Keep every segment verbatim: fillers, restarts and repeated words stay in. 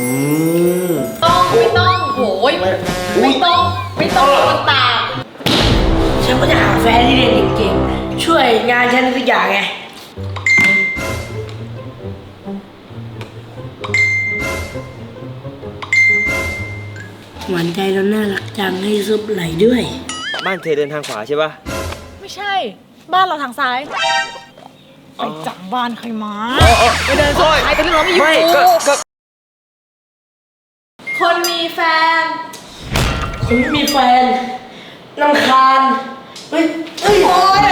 มต้องไม่ต้องโหยไม่ต้องไม่ต้องคนตามฉันก็จะหาแฟนที่เรียนเก่งๆช่วยงานฉันทุกอย่างไงหวานใจเราน่ารักจังให้ซุปไหลด้วยบ้านเธอเดินทางขวาใช่ปะไม่ใช่บ้านเราทางซ้ายไปจับบ้านใครมาไปเดินซ้ายไปเรื่องเราไม่อยู่คนมีแฟนคนไม่มีแฟนรำคาญเฮ้ยเฮ้ยโอ้ย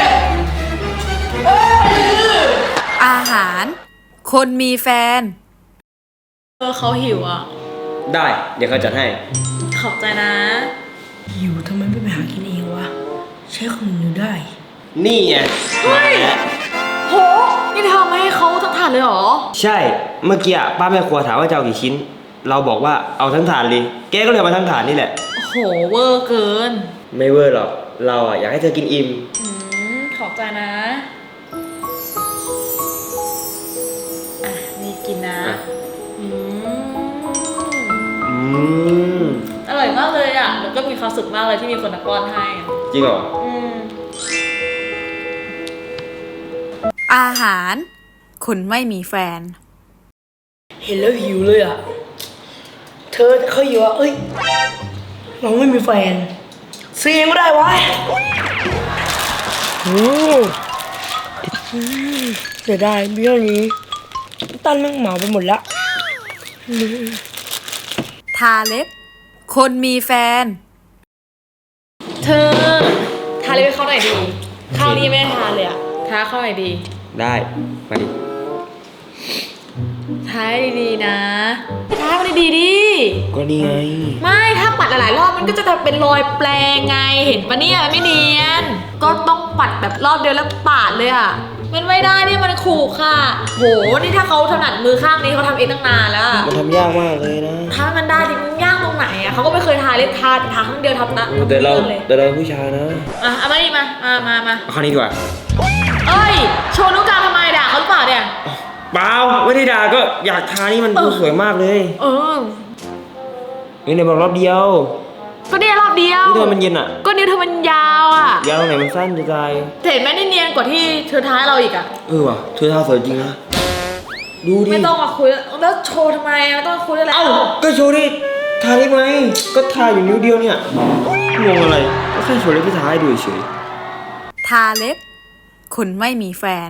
อาหาร คนมีแฟนเออเขาหิวอ่ะได้เดี๋ยวเขาจัดให้ขอบใจนะหิวทำไมไม่ไปหากินเองวะใช้ของอยู่ได้นี่ไงเฮ้ยโหนี่เธอไม่ให้เขาทั้งถาดเลยเหรอใช่เมื่อกี้ป้าแม่ครัวถามว่าจะเอากี่ชิ้นเราบอกว่าเอาทั้งถาดเลยแกก็เลยมาทั้งถาดนี่แหละโหเวอร์เกินไม่เวอร์หรอกเราอ่ะอยากให้เธอกินอิ่มอืมขอบใจนะอ่ะนี่กินนะอืมอืมอร่อยมากเลยอ่ะแล้วก็มีความสุขมากเลยที่มีคนมาป้อนให้จริงเหรออืมอาหาร คนไม่มีแฟนเห็นแล้วหิวเลยอ่ะเธอเขาหิวอ่ะเอ้ยน้องไม่มีแฟนซื้อเองไม่ได้วะโอ้เสียดายเบี้ยนี้ตั้นแม่งเหมาไปหมดละทาเล็บ คนมีแฟนเธอทาเล็บให้เขาหน่อยดีข้าวนี้ไม่ได้ทาเลยอ่ะทาเข้าหน่อยดีได้มาดิทาให้ดีๆนะทาให้มันดีๆดิก็นี่ไงไม่ถ้าปัดหลายๆรอบมันก็จะเป็นรอยแปลงไงเห็นปะเนี่ยไม่เนียนก็ต้องปัดแบบรอบเดียวแล้วปาดเลยอ่ะมันไม่ได้เนี่ยมันขู่ค่ะโหนี่ถ้าเขาถนัดมือข้างนี้เขาทำเองตั้งนานแล้วมันทำยากมากเลยนะถ้ามันได้จริงมันยากตรงไหนอ่ะเขาก็ไม่เคยทาเล็บทาทาครั้งเดียวทำนะแต่เราแต่เราผู้ชายนะอ่ะเอามาดิมามามามาเอาคราวนี้ดีกว่าเอ้ยโชว์นิ้วกลางทำไมด่าเขาหรือเปล่าเนี่ยเปล่าไม่ได้ด่าก็อยากทานี่มันดูสวยมากเลยเออนี่ในบอกรอบเดียวก็เนี่ยรอบเดียวนิ้วเธอมันเย็นอ่ะก็นิ้วเธอมันยาวอ่ะยาวตรงไหนมันสั้นจะตายเห็นไหมนี่เนียนกว่าที่เธอท้าเราอีกอ่ะเออว่ะเธอทาสวยจริงนะดูดิไม่ต้องมาคุยแล้วโชว์ทำไมไม่ต้องคุยแล้วเอ้าก็โชว์ดิทาได้ไหมก็ทาอยู่นิ้วเดียวเนี่ยงงอะไรก็แค่โชว์เล็บที่ทาให้ดูเฉยทาเล็บ คนไม่มีแฟน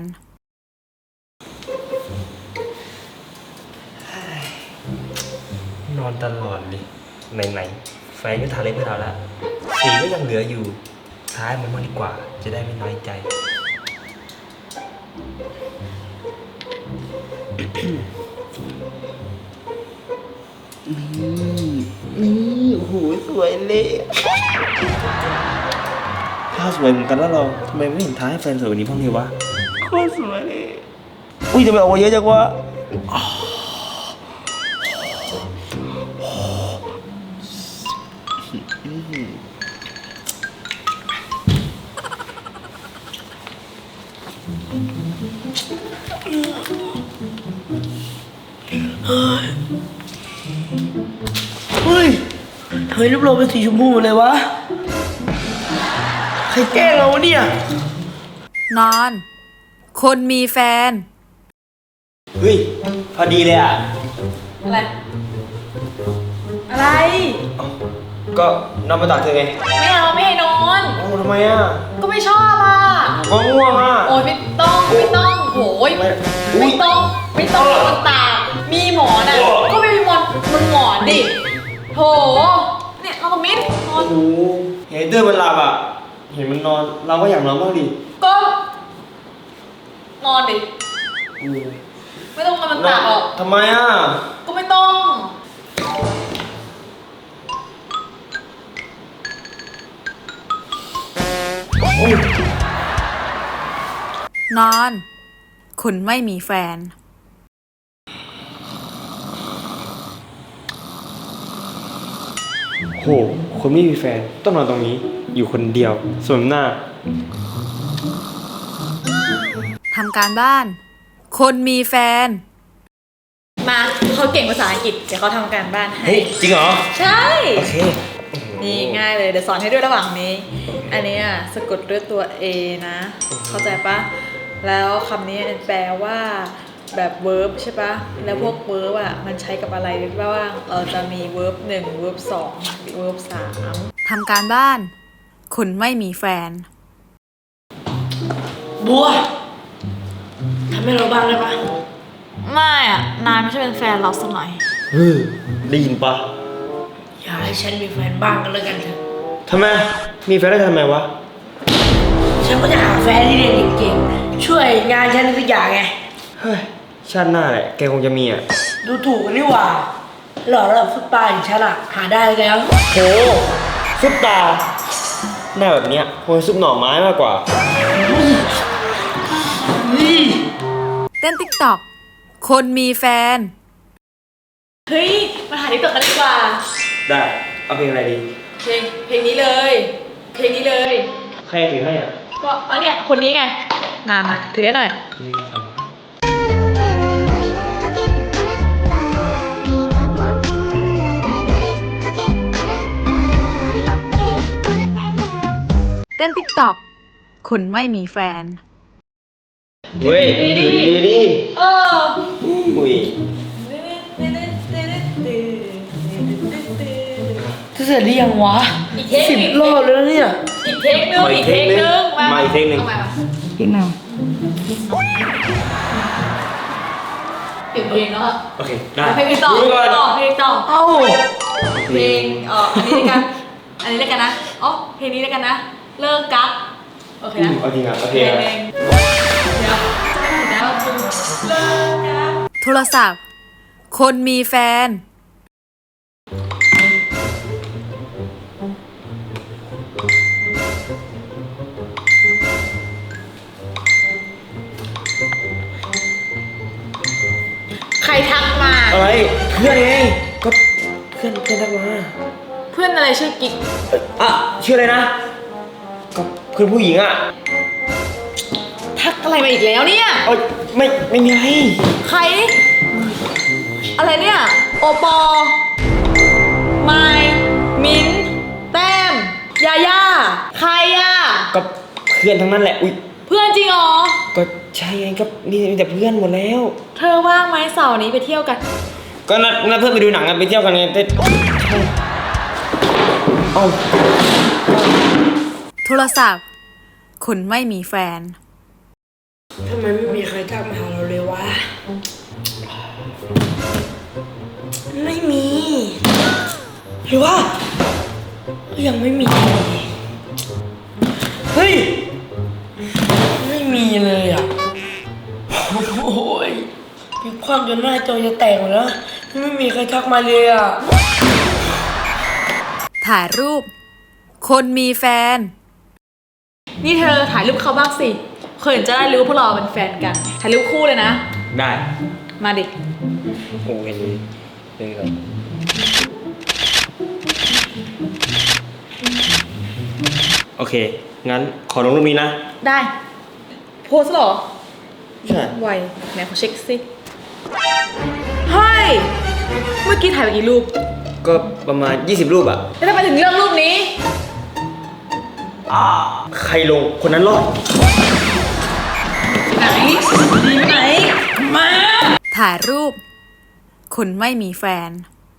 นอนตลอดเลยไหนๆแฟนก็ทาเล็บให้เราแล้วสีก็ยังเหลืออยู่ท้ายมันมากดีกว่าจะได้ไม่น้อยใจนี่นี่โอ้โหสวยเลยถ้าสวยเหมือนกันแล้วเราทำไมไม่เห็นท้ายให้แฟนสวยกว่านี้บ้างเลยวะโคตรสวยเลยอุ้ยทำไมออกมาเยอะจังวะเฮ้ยเฮ้ยรูปเราเป็นสีชมพูเลยวะใครแกล้งเราเนี่ยนอน คนมีแฟนเฮ้ยพอดีเลยอ่ะอะไรอะไรก็นอนมาตักเธอไงไม่เอาไม่ให้นอนโอ้ทำไมอ่ะก็ไม่ชอบอ่ะก็ง่วงอ่ะโอ้ยไม่ต้องไม่ต้องโหยไม่ต้องไม่ต้องคนตากมีหมอนอ่ะก็ไม่มีหมอนมันหมอนดิโหเนี่ยเราก็มิดนอนโอ้เห็นเดินมันหลับอ่ะเห็นมันนอนเราก็อยากนอนบ้างดิก็นอนดิไม่ต้องมามันตากหรอกทำไมอ่ะก็ไม่ต้องนอน คนไม่มีแฟนโหคนไม่มีแฟนต้องนอนตรงนี้อยู่คนเดียวส่วนหน้าทำการบ้าน คนมีแฟนมาเขาเขาเก่งภาษาอังกฤษเดี๋ยวเขาทำการบ้านให้เฮ้ย จริงเหรอใช่โอเคนี่ง่ายเลยเดี๋ยวสอนให้ด้วยระหว่างนี้ อันนี้อ่ะสะกดด้วยตัว A นะ เข้าใจปะแล้วคำนี้แปลว่าแบบ verb ใช่ปะแล้วพวก verb อ่ะมันใช้กับอะไรหรือเปล่าว่าเราจะมี verb หนึ่ง verb สอง verb สามทำการบ้าน คุณไม่มีแฟนบัวทำให้เราบ้างได้ปะไม่อ่ะนายไม่ใช่เป็นแฟนเราสักหน่อยเฮ้ย ได้ยินปะอย่าให้ฉันมีแฟนบ้างกันแล้วกันเถอะทำไม มีแฟนได้ทำไมวะฉันก็จะหาแฟนที่เรียนเก่งๆช่วยงานฉันทุกอย่างไงเฮ้ย ชาติหน้าแหละ แกคงจะมีอ่ะดูถูกกันนี่หว่าหล่อระดับฟุตบาทอย่างฉันอะหาได้แล้วโหซุปตา หน้าแบบเนี้ยคงซุปหน่อไม้มากกว่านี่เต้นติ๊กต็อก คนมีแฟนเฮ้ยมาหาที่ตกกันดีกว่าได้ เอาเพลงอะไรดีเพลงเพลงนี้เลย เพลงนี้เลยใครถือให้อ่ะก็อันเนี้ยคนนี้ไงงานมาถือให้หน่อยเต้นติ๊กต็อก คุณไม่มีแฟนเฮ้ย ดีดีดีเอออุ้ยจะเสร็จหรือยังวะอีกเทคสิบรอบแล้วเนี่ยอีกเทคนึงอีกเทคนึงมาอีกเทคนึงอาใหม่มาอีกหนึ่งเปลี่ยนเพลงแล้วอะโอเค ได้เพลงต่อดูเพลก่องนต่อเพลงต่อเอ้าเพลงเอ่ออันนี้แล้วกัน อันนี้แล้วกันนะอ๋อเพลงนี้แล้วกันนะ เลิกกักโอเคอืนะมเอาจริงอ่ะ โอเคเพลงอ่ะเดี๋ยวเดี๋ยวเลิกกักโทรศัพท์ คนมีแฟนใครทักมาอะไร เพื่อนไง ก็เพื่อนเพื่อนทักมาเพื่อนอะไรชื่อกิ๊กอ่ะชื่ออะไรนะ ก็เพื่อนผู้หญิงอ่ะทักอะไรมาอีกแล้วเนี่ยเอ้ยไม่ ไม่มีอะไรใคร อะไรเนี่ย โอปอไมล์มิ้นท์แต้ม ยาย่า ใครอ่ะก็เพื่อนทั้งนั้นแหละ อุ้ยเพื่อนจริงเหรอก็ใช่ไง ก็มีมีแต่เพื่อนหมดแล้วเธอว่างไหมเสาร์นี้ไปเที่ยวกันก็นัดนัดเพื่อนไปดูหนังกันไปเที่ยวกันไงแต่ใช่เอ้าโทรศัพท์ คุณไม่มีแฟนทำไมไม่มีใครทักมาหาเราเลยวะ ไม่มี หรือว่า ยังไม่มี เฮ้ย ไม่มีเลยอ่ะ โอ้ยมีความจนหน้าจอจะแตกหมดแล้ว ไม่มีใครทักมาเลยอ่ะถ่ายรูป คนมีแฟนนี่เธอถ่ายรูปเขาบ้างสิเคยเห็นจะได้รู้พวกเราเป็นแฟนกัน ถ่ายรูปคู่เลยนะได้มาดิโอ้เห็นเลยเห็นเลยโอเค งั้นขอลงรูปนี้นะได้ โพสเหรอใช่ไวไหนขอเช็คสิเฮ้ย เมื่อกี้ถ่ายไปกี่รูปก็ประมาณยี่สิบรูปอะแล้วทำไมถึงเลือกรูปนี้ใครลงคนนั้นรอดไหนดีไหน มาถ่ายรูป คุณไม่มีแฟน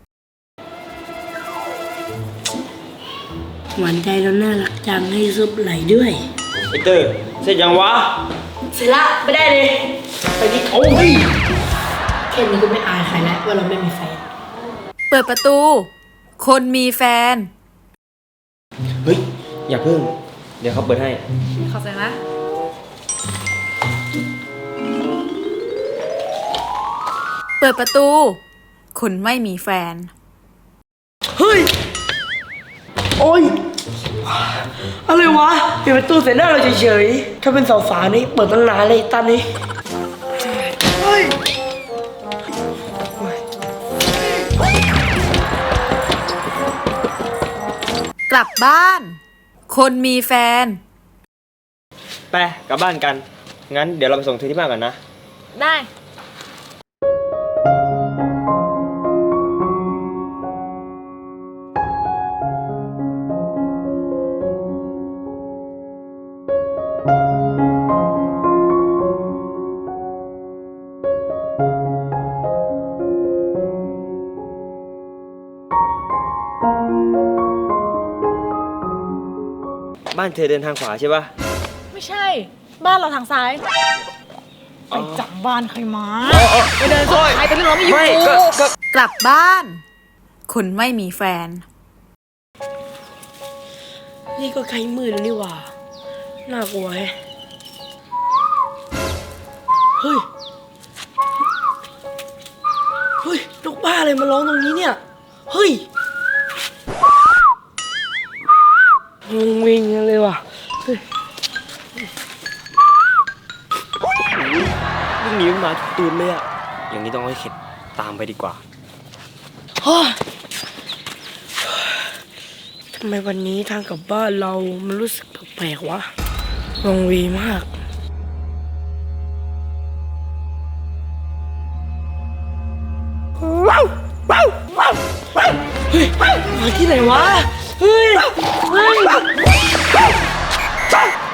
หวานใจเราน่ารักจังให้ซุปไหลด้วยไอเตอร์เสร็จยังวะเสร็จละไม่ได้เลย ไปดิโอ้ยแค่นี้ก็ไม่อายใครแล้วว่าเราไม่มีแฟนเปิดประตู คนมีแฟนเฮ้ย อย่าเพิ่ง เดี๋ยวเขาเปิดให้ขอใจนะเปิดประตู คุณไม่มีแฟนเฮ้ย โอ้ย อะไรวะปิดประตูใส่หน้าเราเฉยๆ ถ้าเป็นสาวฝานี่เปิดตั้งนานเลยตอนนี้ เฮ้ยกลับบ้าน คนมีแฟนไปกลับบ้านกัน งั้นเดี๋ยวเราไปส่งเธอที่บ้านก่อนนะได้านเธอเดินทางขวาใช่ปะไม่ใช่ บ้านเราทางซ้าย ไปจับบ้านใครมาไปเดินซอยใครแต่เรื่องเราไม่อยู่ไม่ก็ก็กลับบ้าน คนไม่มีแฟนนี่ก็ใกล้มืดแล้วนี่หว่า น่ากลัวแฮะเฮ้ย เฮ้ยนกบ้าอะไรมาร้องตรงนี้เนี่ย เฮ้ยงงเวงกันเลยว่ะเฮ้ยวิ่งหนีมันมาทุกตูนเลยอะอย่างนี้ต้องให้เข็ดตามไปดีกว่าเฮ้ยทำไมวันนี้ทางกลับบ้านเรามันรู้สึกแปลกๆวะงงวีมาก ว้าวว้าวว้าวว้าวเฮ้ยมาที่ไหนวะ เฮ้ย เฮ้ย